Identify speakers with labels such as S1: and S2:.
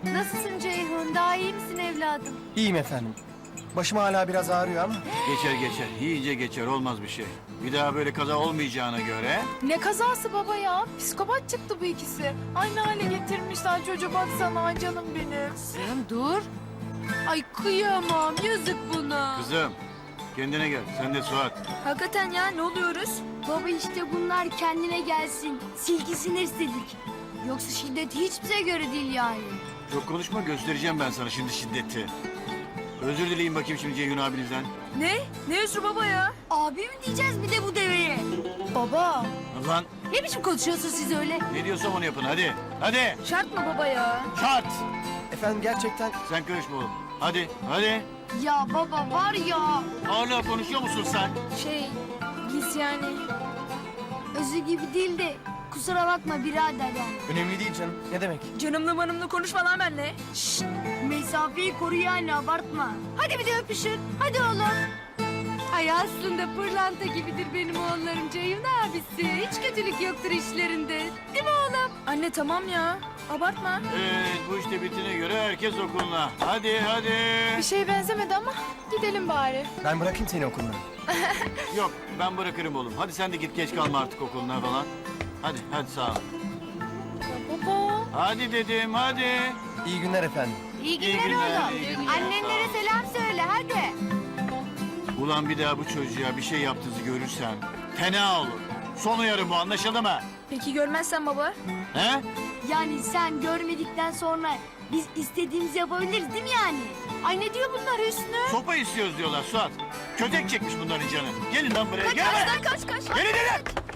S1: Nasılsın Ceyhun? Daha iyi misin evladım?
S2: İyiyim efendim. Başım hala biraz ağrıyor ama.
S3: Geçer geçer. İyice geçer. Olmaz bir şey. Bir daha böyle kaza olmayacağına göre.
S4: Ne kazası baba ya? Psikopat çıktı bu ikisi. Aynı hale getirmişler çocuğu, baksana canım benim.
S1: Kızım dur. Ay kıyamam, yazık buna.
S3: Kızım kendine gel. Sen de Suat.
S4: Hakikaten ya, ne oluyoruz?
S5: Baba işte bunlar kendine gelsin. Silgisini istedik. Yoksa şiddet hiç bize göre değil yani.
S3: Çok konuşma, göstereceğim ben sana şimdi şiddeti. Özür dileyim bakayım şimdi Ceyhun abinizden.
S4: Ne? Ne özrü baba ya?
S5: Abi mi diyeceğiz bir de bu deveye?
S4: Baba.
S3: Lan
S1: Ne biçim konuşuyorsunuz siz öyle?
S3: ne diyorsam onu yapın hadi. Hadi.
S4: Şart mı baba ya?
S3: Şart.
S2: Efendim gerçekten
S3: Sen karışma oğlum. Hadi hadi.
S5: Ya baba var ya.
S3: Hala konuşuyor musun sen?
S4: Biz yani.
S5: Özü gibi değil de kusura bakma birader yani.
S2: önemli değil canım. Ne demek?
S4: Canımlı manımlı konuşma lan benimle.
S5: Mesafeyi koru yani abartma.
S1: Hadi bir de öpüşün. Hadi oğlum. Ay aslında pırlanta gibidir benim oğullarım Ceyhun abisi. Hiç kötülük yoktur işlerinde. Değil mi oğlum?
S4: Anne tamam ya. Abartma.
S3: Evet bu işte bittiğine göre herkes okuluna. Hadi hadi.
S4: Bir şeye benzemedi ama gidelim bari.
S2: Ben bırakayım seni okuluna.
S3: Yok ben bırakırım oğlum. Hadi sen de git geç kalma artık okuluna falan. Hadi hadi sağ ol.
S4: Baba.
S3: Hadi dedim hadi.
S2: İyi günler efendim.
S1: İyi
S3: İyi
S1: günler
S3: günler,
S1: oğlum.
S3: iyi günler.
S1: Annenlere selam söyle hadi.
S3: Ulan bir daha bu çocuğa bir şey yaptığınızı görürsem fena olur. Son uyarım bu, anlaşıldı mı?
S4: Peki görmezsen baba?
S3: He?
S5: Yani sen görmedikten sonra biz istediğimizi yapabiliriz değil mi yani?
S1: Ay ne diyor bunlar Hüsnü?
S3: Sopa istiyoruz diyorlar Suat. Kötek çekmiş bunların canı. Gelin lan buraya. Gelin.
S4: Kaç.
S3: Gelin gelin.